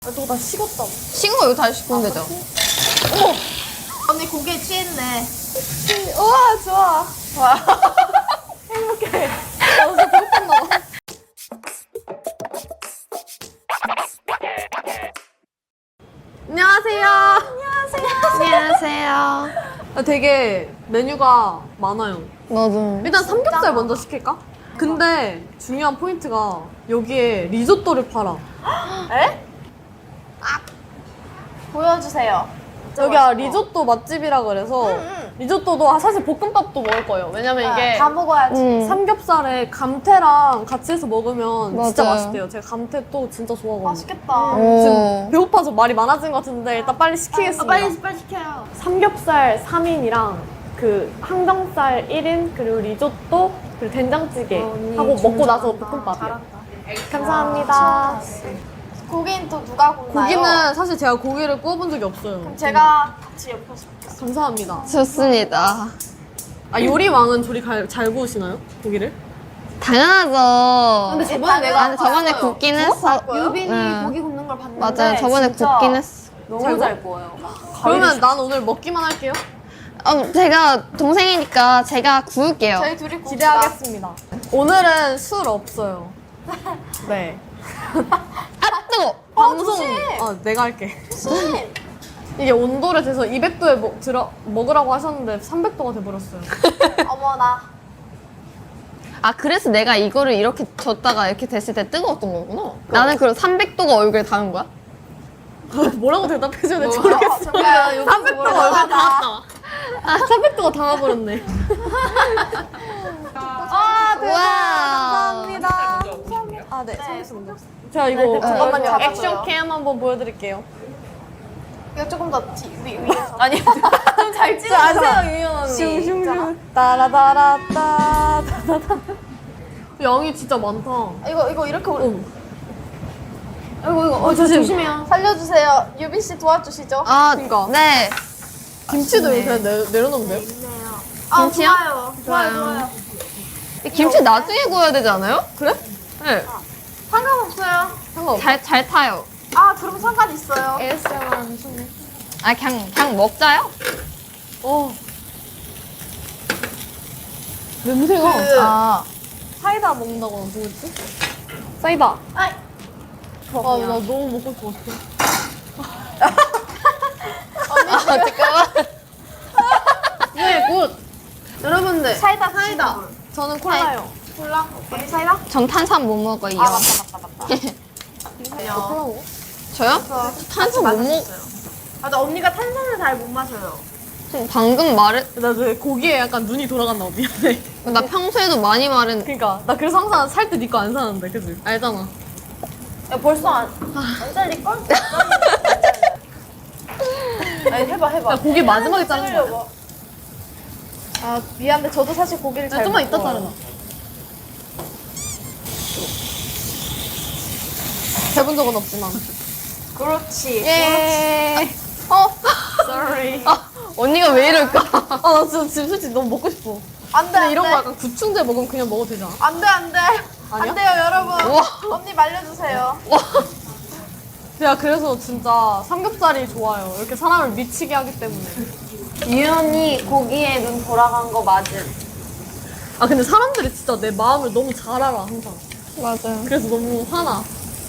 아, 저거 다 식었다. 식은 거 이거 다시 씹으면 되죠? 어머! 언니 고기에 취했네. 우와, 좋아. 와. 행복해. 나 진짜 배고팠나 봐. 안녕하세요. 안녕하세요. 되게 메뉴가 많아요. 나도. 일단 삼겹살 먼저 시킬까? 근데 중요한 포인트가 여기에 리조또를 팔아. 에? 보여주세요. 여기가 리조또 맛집이라 그래서 리조또도 사실 볶음밥도 먹을 거예요. 왜냐면 이게 다 먹어야지. 삼겹살에 감태랑 같이 해서 먹으면 진짜 맞아요. 맛있대요. 제가 감태 또 진짜 좋아하거든요. 맛있겠다. 오. 배고파서 말이 많아진 것 같은데 일단 빨리 시키겠습니다. 빨리 시켜요. 삼겹살 3인이랑 그 항정살 1인 그리고 리조또 그리고 된장찌개 하고 먹고 나서 볶음밥이요. 감사합니다. 고기는 또 누가 굽나요? 고기는 사실 제가 고기를 구워본 적이 없어요. 제가 같이 옆에서 먹겠습니다. 감사합니다. 좋습니다. 아 요리 왕은 조리 잘 구우시나요? 고기를? 당연하죠. 근데 저번에 내가 아니, 저번에 굽긴 했어. 유빈이 네. 고기 굽는 걸 봤는데 맞아요. 저번에 진짜 굽긴 했어. 너무 잘 구워요. 그러면 난 오늘 먹기만 할게요. 제가 동생이니까 제가 구울게요. 저희 둘이 굽니다. 기대하겠습니다. 오늘은 술 없어요. 네. 아, 뜨거! 방송 조심! 내가 할게. 조심. 이게 온도를 재서 200도에 먹으라고 하셨는데 300도가 돼버렸어요. 어머나. 아, 그래서 내가 이거를 이렇게 줬다가 이렇게 됐을 때 뜨거웠던 거구나. 나는 그럼 300도가 얼굴에 닿은 거야? 뭐라고 대답해줘야 될지 모르겠어. 300도가 얼굴에 닿았다. 아, 300도가 닿아버렸네. 아, 대박. 우와. 감사합니다. 아, 네. 서비스 먼저. 제가 이거 잠깐만요. 잡아줘요. 액션 캠 한번 보여드릴게요. 이거 조금 더 위에서. 아니, 좀 잘 찍어주세요, 유연 언니. 슝슝슝. 따라다라따. 양이 진짜 많다. 이거 이렇게 올려. 이거 조심해요. 살려주세요. 유빈 씨 도와주시죠. 아, 그러니까. 네. 김치도 이렇게 내려놓으면 돼요? 아, 김치요? 좋아요. 이 김치 나중에 구워야 되지 않아요? 그래? 네. 상관없어요. 상관없어. 잘 타요. 아, 그럼 상관 있어요. 아, 그냥 먹자요? 어. 냄새가. 아. 사이다 먹는다고 뭐였지? 사이다. 아이. 나 너무 먹고 싶었어. 아, 잠깐만. 네, 굿. 여러분들. 사이다. 저는 콜라요. 콜라? 언니 사이다? 전 탄산 못 먹어요. 아, 맞다. 콜라 먹어? 저요? 탄산 못 먹. 맞아, 언니가 탄산을 잘 못 마셔요. 방금 말했. 나 왜 고기에 약간 눈이 돌아갔나 봐. 미안해. 나 평소에도 많이 말했. 그니까. 나 그래서 항상 살 때 니 거 안 사는데, 그지? 알잖아. 야, 벌써 안 잘릴걸? 아니, 해봐. 나 고기 마지막에 자른 거 아니야? 자르려고. 아, 미안한데 저도 사실 고기를 잘 좀만 못 이따 구워요. 자르나. 해본 적은 없지만. 그렇지. 예. Sorry. 언니가 왜 이럴까? 나 지금 솔직히 너무 먹고 싶어. 안 돼, 근데 이런 거 약간 구충제 먹으면 그냥 먹어도 되잖아. 안 돼. 아니야? 안 돼요, 여러분. 우와. 언니 말려주세요. 제가 그래서 진짜 삼겹살이 좋아요. 이렇게 사람을 미치게 하기 때문에. 유연이 고기에 눈 돌아간 거 맞음. 아 근데 사람들이 진짜 내 마음을 너무 잘 알아 항상. 맞아요. 그래서 너무 화나.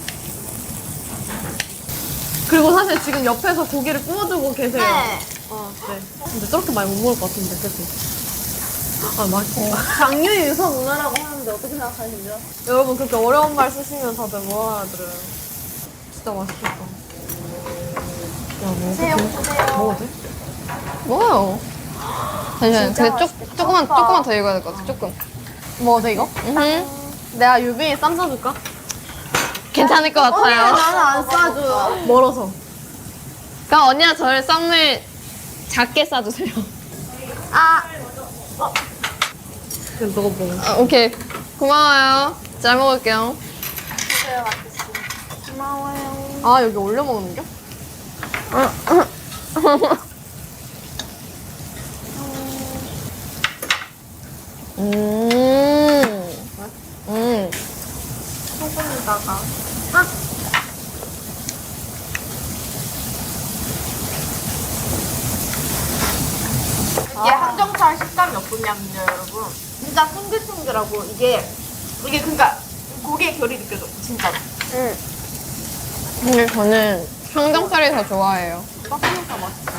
그리고 사실 지금 옆에서 고기를 구워주고 계세요. 네. 네. 근데 저렇게 많이 못 먹을 것 같은데, 그치? 아, 맛있어. 장류 유서 문화라고 하는데 어떻게 생각하시죠? 여러분, 그렇게 어려운 말 쓰시면 다들 뭐 알아들어요. 진짜 맛있겠다. 야, 드세요. 먹어도 돼? 뭐요? 잠시만요. 진짜 근데 조금만 더 익어야 될 것 같아. 조금. 먹어도 돼, 이거? 내가 유빈이 쌈 싸줄까? 괜찮을 것 같아요. 나는 안 싸줘요. 멀어서. 그럼 언니가 저를 썸을 작게 싸주세요. 그냥 너가 먹어. 아, 오케이. 고마워요. 잘 먹을게요. 드세요, 맞겠습니다. 고마워요. 아, 여기 올려 먹는 겨? 소금에다가. 쫄깃쫄깃한 식감이 어떠냐면요, 여러분. 진짜 탱글탱글하고 이게 그러니까 고기의 결이 느껴져, 진짜로. 근데 저는 삼겹살이 더 좋아해요. 빡빡해서 맛있어.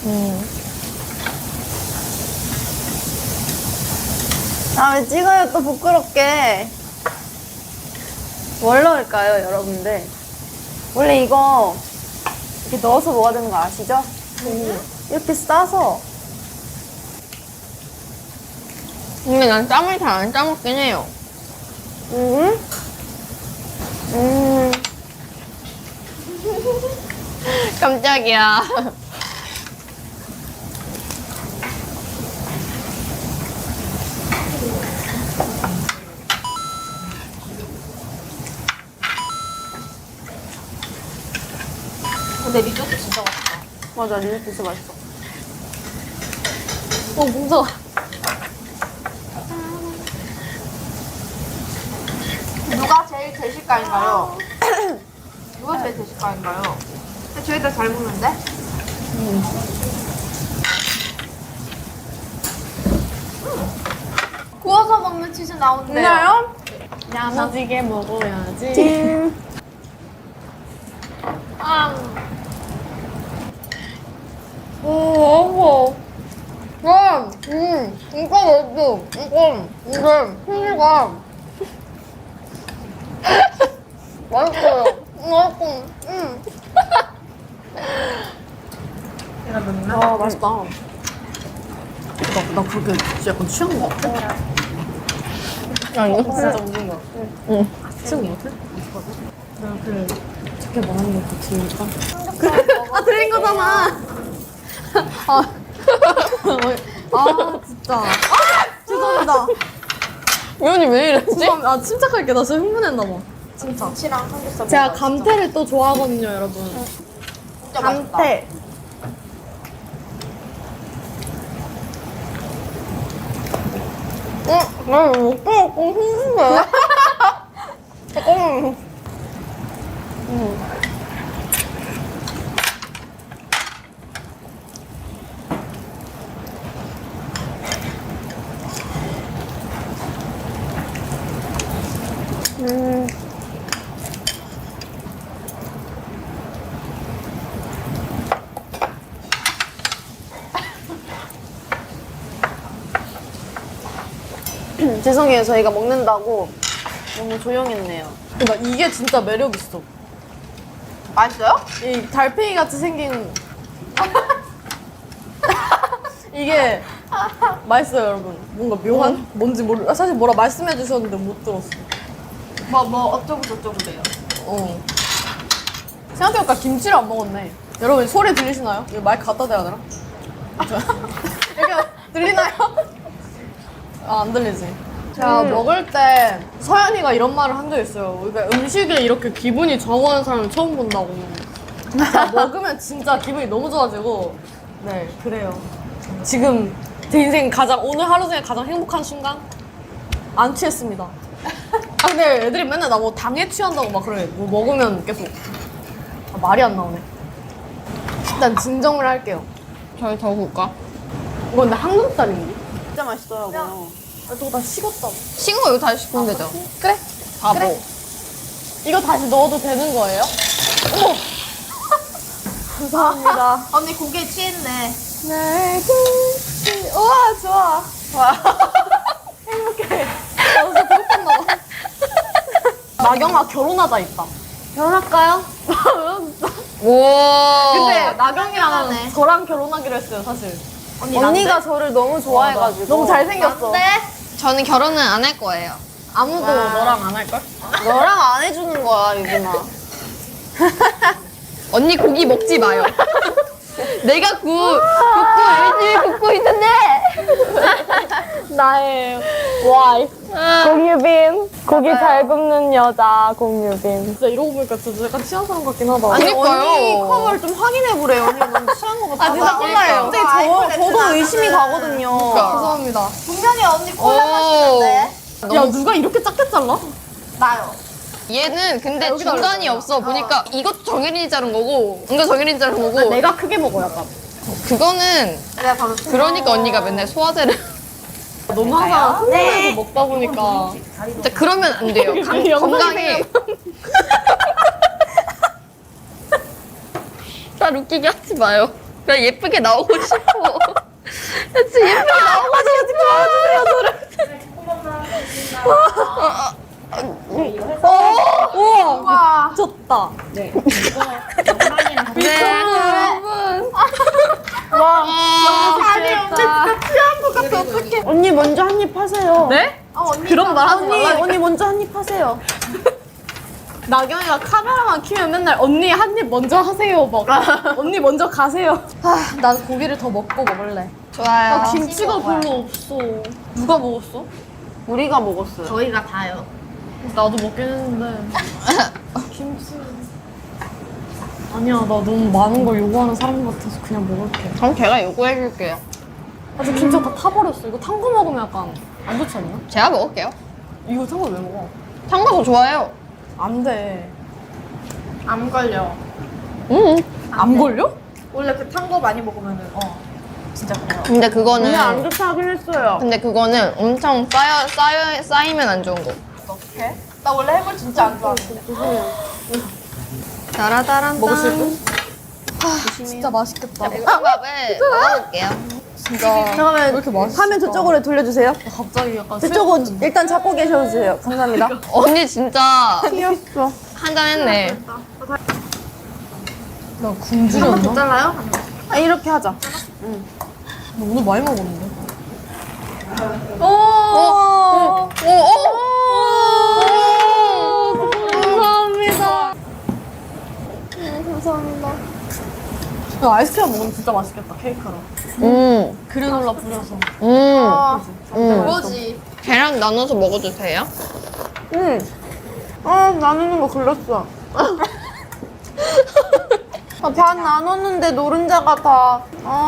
다음에 찍어요, 또 부끄럽게. 뭘 넣을까요, 여러분들? 원래 이거 이렇게 넣어서 먹어야 되는 거 아시죠? 이렇게 싸서. 근데 난 짬을 잘 안 짜먹긴 해요. 깜짝이야. 근데 리조또 진짜 맛있다. 맞아, 리조또 진짜 맛있어. 무서워. 누가 제일 대식가인가요? 누가 제일 대식가인가요? 근데 저희 다 잘 먹는데? 구워서 먹는 치즈 나온대요. 야무지게 먹어야지. 이거 맛있어. 이게 풍미가 맛있어요. 맛있고, 아, 맛있다. 나 그렇게 약간 취한 거 같아? 아니, 진짜 웃은 거 같아. 응. 취한 거 같아? 내가 그 작게 말하는 거 들으니까. 아, 들린 거잖아. 진짜. 죄송합니다. 위원이 왜 이랬지? 죄송합니다. 아, 침착할게. 나 진짜 흥분했나봐. 진짜. 김치랑 삼겹살 제가 먹어요, 감태를 또 좋아하거든요, 여러분. 진짜 맛있다. 감태. 나 먹고 흥분해. 잠깐만. 죄송해요, 저희가 먹는다고 너무 조용했네요. 그러니까 이게 진짜 매력 있어. 맛있어요? 이 달팽이 같이 생긴 이게 맛있어요, 여러분. 뭔가 묘한 뭔지 모르. 사실 뭐라 말씀해 주셨는데 못 들었어. 뭐 어쩌고 저쩌고 돼요. 어. 생각해보니까 김치를 안 먹었네. 여러분 소리 들리시나요? 이거 마이크 갖다 대야 되나? 이렇게 들리나요? 아, 안 들리지. 제가 먹을 때 서연이가 이런 말을 한 적 있어요. 그러니까 음식에 이렇게 기분이 좌우하는 사람을 처음 본다고. 진짜 먹으면 진짜 기분이 너무 좋아지고. 네, 그래요. 지금 제 인생 오늘 하루 중에 가장 행복한 순간? 안 취했습니다. 아, 근데 애들이 맨날 나 뭐 당에 취한다고 막 그래. 뭐 먹으면 계속. 아, 말이 안 나오네. 일단 진정을 할게요. 저희 더 굴까? 이거 근데 한금살인데? 진짜 맛있더라고요. 아, 저거 다 식었다. 식은 거 이거 다시 시키면 되죠? 그래? 바보. 그래. 이거 다시 넣어도 되는 거예요? 어머! 감사합니다. 언니 고기에 취했네. 우와, 좋아. 행복해. 진짜 배고팠나 봐. 나경아 결혼하자 있다. 결혼할까요? 오. 근데 나경이랑 하네. 저랑 결혼하기로 했어요, 사실. 언니가 저를 너무 좋아해가지고. 너무 잘생겼어. 저는 결혼은 안 할 거예요. 아무도 너랑 안 할걸? 너랑 안 해주는 거야, 유진아. 언니 고기 먹지 마요. 내가 일주일 굽고 있는데. 나의 와이프. 공유빈. 고기 잘 굽는 여자, 공유빈. 진짜 이러고 보니까 진짜 약간 취한 사람 같긴 하다. 아니, 그러니까요. 언니 컵을 좀 확인해보래요. 언니 너무 취한 것 같아. 아, 진짜 콜라예요. 근데 저도 의심이 가거든요. 죄송합니다. 분명히 언니 콜라 오. 마시는데. 야, 누가 이렇게 작게 잘라? 나요. 얘는 근데 여기다 중간이 올려줘요. 없어. 보니까 이것도 정혜린이 자른 거고, 이거 정혜린이 자른 거고. 내가 크게 먹어, 약간. 그거는 내가 바로 그러니까 언니가 맨날 소화제를 너무 항상 흥분해서 먹다 보니까 진짜 그러면 안 돼요. 건강에 나 웃기게 하지 마요. 그냥 예쁘게 나오고 싶어. 나 진짜 예쁘게 나오고 우와 미쳤다. 네. 아니 언니 진짜 취한 것 같아 어떡해. 언니 먼저 한 입 하세요. 네? 언니 그런 말 하지 언니, 말라. 언니 먼저 한 입 하세요. 나경이가 카메라만 키면 맨날 언니 한 입 먼저 하세요 막 언니 먼저 가세요. 난 고기를 더 먹고 먹을래. 좋아요. 나 김치가 별로 없어. 누가 먹었어? 우리가 먹었어요. 저희가 다요. 나도 먹긴 했는데 김치 아니야 나 너무 많은 걸 요구하는 사람 같아서 그냥 먹을게. 그럼 제가 요구해줄게요. 아, 저 김치가 다 타버렸어. 이거 탄 거 먹으면 약간 안 좋지 않나? 제가 먹을게요. 이거 탄 거 왜 먹어? 참고도 좋아해요. 안 돼. 안 걸려. 안 걸려? 원래 그 탄 거 많이 먹으면은 진짜 그래요. 근데 그거는 오늘 안 좋다 하긴 했어요. 근데 그거는 엄청 쌓이면 안 좋은 거. 어떡해? 나 원래 해물 진짜 안 좋아하는데. 따라따란 먹을 수 있고? 진짜 맛있겠다. 볶음밥을 먹어볼게요. 진짜 왜 잠깐만, 이렇게 맛있어? 화면 저쪽으로 돌려주세요. 갑자기 약간 저쪽은 일단 잡고 계셔주세요. 감사합니다. 언니 진짜 귀엽어. 한잔 했네. 나 굶주렸나? 잘라요? 아, 이렇게 하자. 나 오늘 많이 먹었는데. 오! 감사합니다. 감사합니다. 야, 아이스크림 먹으면 진짜 맛있겠다, 케이크랑. 그래놀라 뿌려서. 뭐지? 걔랑 나눠서 먹어도 돼요? 응. 나누는 거 글렀어. 반 나눴는데 노른자가 다.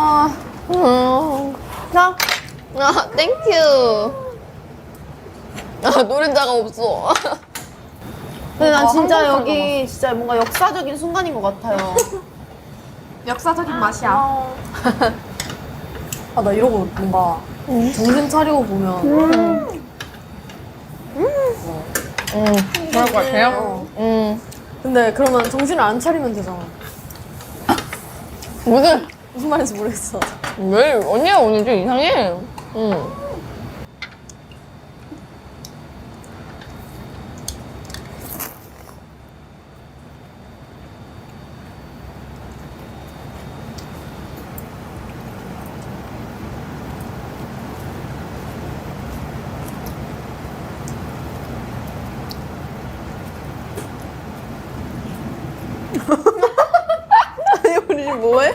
자, 아, 땡큐. 아, 노른자가 없어. 근데 난 진짜 여기 진짜 뭔가 역사적인 순간인 것 같아요. 역사적인 맛이야. 아, 나 이러고 뭔가 정신 차리고 보면. 그럴 것 같아요? 근데 그러면 정신을 안 차리면 되잖아. 무슨 말인지 모르겠어. 왜? 언니가 오늘 좀 이상해. 아니, 우리 지금 뭐해?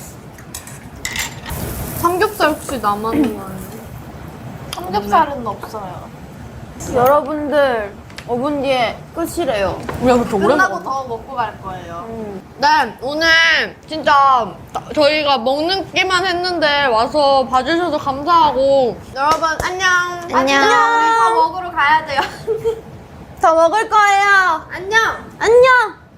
삼겹살 혹시 남았는 거 아니야? 삼겹살은 없어요. 여러분들 5분 뒤에 끝이래요. 우리가 그렇게 오래 끝나고 먹었나? 더 먹고 갈 거예요. 네, 오늘 진짜 저희가 먹는 끼만 했는데 와서 봐주셔서 감사하고 여러분 안녕. 안녕. 우리 다 먹으러 가야 돼요. 더 먹을 거예요. 안녕. 안녕.